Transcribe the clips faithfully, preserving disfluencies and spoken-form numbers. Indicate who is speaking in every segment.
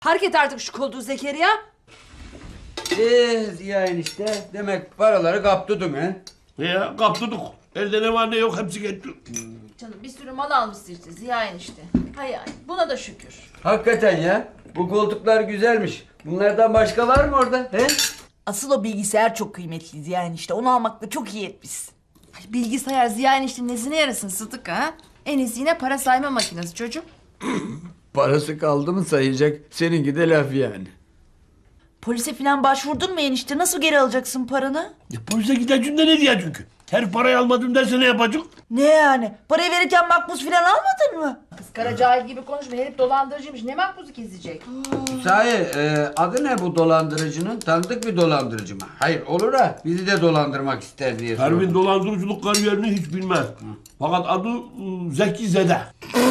Speaker 1: Park et artık şu koltuğu Zekeriya.
Speaker 2: Eee Ziya enişte demek paraları kaptırdın he?
Speaker 3: Ya kaptırdık. Elde ne var ne yok hepsi gitti.
Speaker 1: Canım bir sürü mal almışsın işte Ziya enişte. Hay hay buna da şükür.
Speaker 2: Hakikaten ya. Bu koltuklar güzelmiş. Bunlardan başka var mı orada he?
Speaker 4: Asıl o bilgisayar çok kıymetliydi yani işte. Onu almakla çok iyi etmişsin.
Speaker 1: Ay, bilgisayar Ziya eniştenin nesine yarasın Sıdık ha? En iyisi yine para sayma makinesi çocuğum.
Speaker 2: Parası kaldı mı sayacak. Seninki de laf yani.
Speaker 4: Polise falan başvurdun mu enişte? Nasıl geri alacaksın paranı?
Speaker 3: Ya polise gideceğim de ne diye çünkü. Her parayı almadım derse ne yapacak?
Speaker 4: Ne yani? Parayı verirken makbuz falan almadın mı?
Speaker 1: Kız kara cahil gibi konuşma, herif dolandırıcıymış, ne makbuzu kesecek?
Speaker 2: Sahi e, adı ne bu dolandırıcının? Tanıdık bir dolandırıcı mı? Hayır olur ha bizi de dolandırmak ister diye
Speaker 3: Pervin
Speaker 2: sordum.
Speaker 3: dolandırıcılık kariyerini hiç bilmez. Fakat adı ıı, Zeki Zede.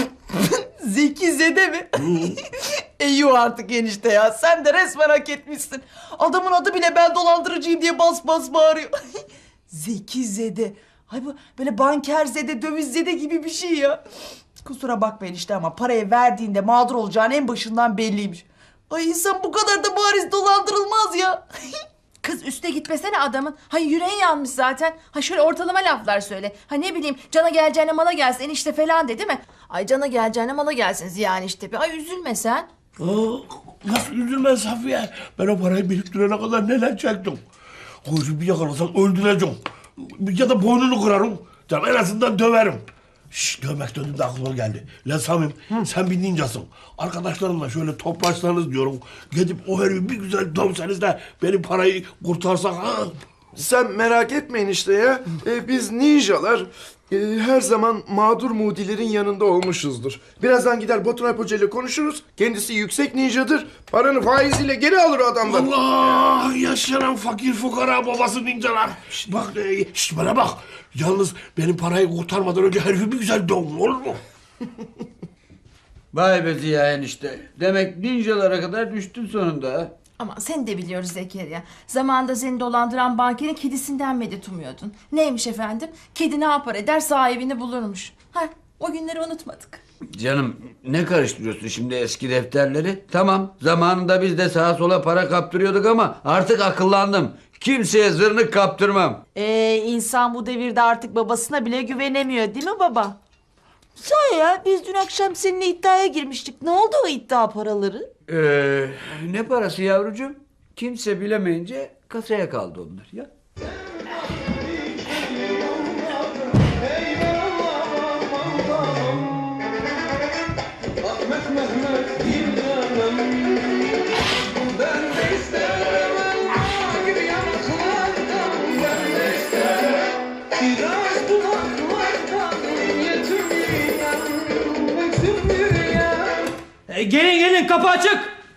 Speaker 4: Zeki Zede mi? Eyyuh artık enişte ya. Sen de resmen hak etmişsin. Adamın adı bile ben dolandırıcıyım diye bas bas bağırıyor. Zeki Zede. Ay bu böyle banker Zede, döviz Zede gibi bir şey ya. Kusura bakma enişte ama parayı verdiğinde mağdur olacağın en başından belliymiş. Ay insan bu kadar da bariz dolandırılmaz ya.
Speaker 1: Kız üste gitmesene adamın. Hay yüreğin yanmış zaten. Ha şöyle ortalama laflar söyle. Ha ne bileyim cana geleceğine mala gelsin enişte falan de değil mi? Ay cana geleceğine mala gelsin Ziya enişte. Ay üzülme sen.
Speaker 3: Aa, nasıl üzülme Safiye? Ben o parayı biriktirene kadar neler çektim. Koyucu bir yakalasak öldüreceğim. Ya da boynunu kırarım. Canım en azından döverim. Şşş dövmek döndüm de aklıma geldi. Lan Samim sen bir ninjasın. Arkadaşlarımla şöyle toplaşsanız diyorum. Gidip o herifi bir güzel dövseniz de benim parayı kurtarsak ha.
Speaker 5: Sen merak etmeyin işte ya. Ee, biz ninjalar e, her zaman mağdur mudilerin yanında olmuşuzdur. Birazdan gider Batur Alp Hoca ile konuşuruz. Kendisi yüksek ninjadır. Paranı faiziyle geri alır o adamdan.
Speaker 3: Allah yaşanan fakir fukara babası ninjalar. Şşt, bak e, şşt, bana bak. Yalnız benim parayı kurtarmadan önce herifi bir güzel dövün olur mu?
Speaker 2: Vay be Ziya enişte. Demek ninjalara kadar düştün sonunda ha.
Speaker 1: Ama seni de biliyoruz Zekeriya. Zamanında seni dolandıran bankerin kedisinden medet umuyordun. Neymiş efendim? Kedi ne yapar eder sahibini bulurmuş. Ha o günleri unutmadık.
Speaker 2: Canım ne karıştırıyorsun şimdi eski defterleri? Tamam zamanında biz de sağa sola para kaptırıyorduk ama artık akıllandım. Kimseye zırnık kaptırmam.
Speaker 4: Ee, insan bu devirde artık babasına bile güvenemiyor değil mi baba? Sahi ya biz dün akşam seninle iddiaya girmiştik. Ne oldu o iddia paraları?
Speaker 2: Ee, ne parası yavrucuğum? Kimse bilemeyince kasaya kaldı onlar ya.
Speaker 6: E, gelin gelin kapı açık.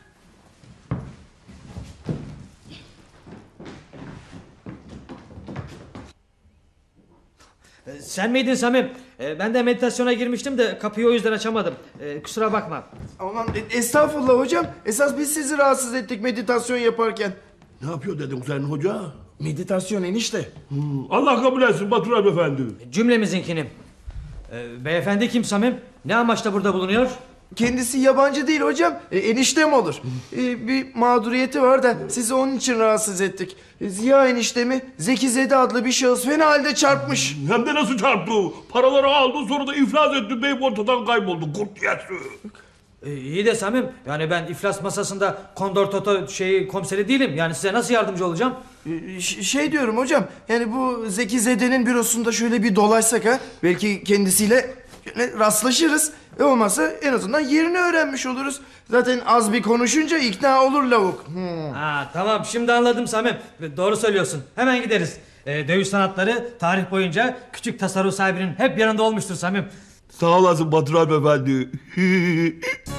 Speaker 6: E, sen miydin Samim? E, ben de meditasyona girmiştim de kapıyı o yüzden açamadım. E, kusura bakma.
Speaker 5: Aman e, estağfurullah hocam. Esas biz sizi rahatsız ettik meditasyon yaparken.
Speaker 3: Ne yapıyor dedim sen hoca?
Speaker 5: Meditasyon enişte.
Speaker 3: Hmm, Allah kabul etsin Batur Alp Efendi.
Speaker 6: Cümlemizinkini. E, beyefendi kim Samim? Ne amaçla burada bulunuyor?
Speaker 5: Kendisi yabancı değil hocam. E, eniştem olur. E, bir mağduriyeti var da sizi onun için rahatsız ettik. E, Ziya eniştemi Zeki Zede adlı bir şahıs fena halde çarpmış.
Speaker 3: Hem de nasıl çarptı? Paraları aldı sonra da iflas etti. Beyim ortadan kayboldu. Kurt yesi.
Speaker 6: E, iyi de Samim, yani ben iflas masasında kondor toto şeyi komiseri değilim. Yani size nasıl yardımcı olacağım?
Speaker 5: E, ş- şey diyorum hocam. Yani bu Zeki Zede'nin bürosunda şöyle bir dolaşsak ha. Belki kendisiyle şöyle rastlaşırız. E olmazsa en azından yerini öğrenmiş oluruz. Zaten az bir konuşunca ikna olur lavuk. Hmm.
Speaker 6: Ha tamam, şimdi anladım Samim. Doğru söylüyorsun. Hemen gideriz. Ee, dövüş sanatları tarih boyunca küçük tasarruf sahibinin hep yanında olmuştur Samim.
Speaker 3: Sağ olasın Batur Alp Efendi.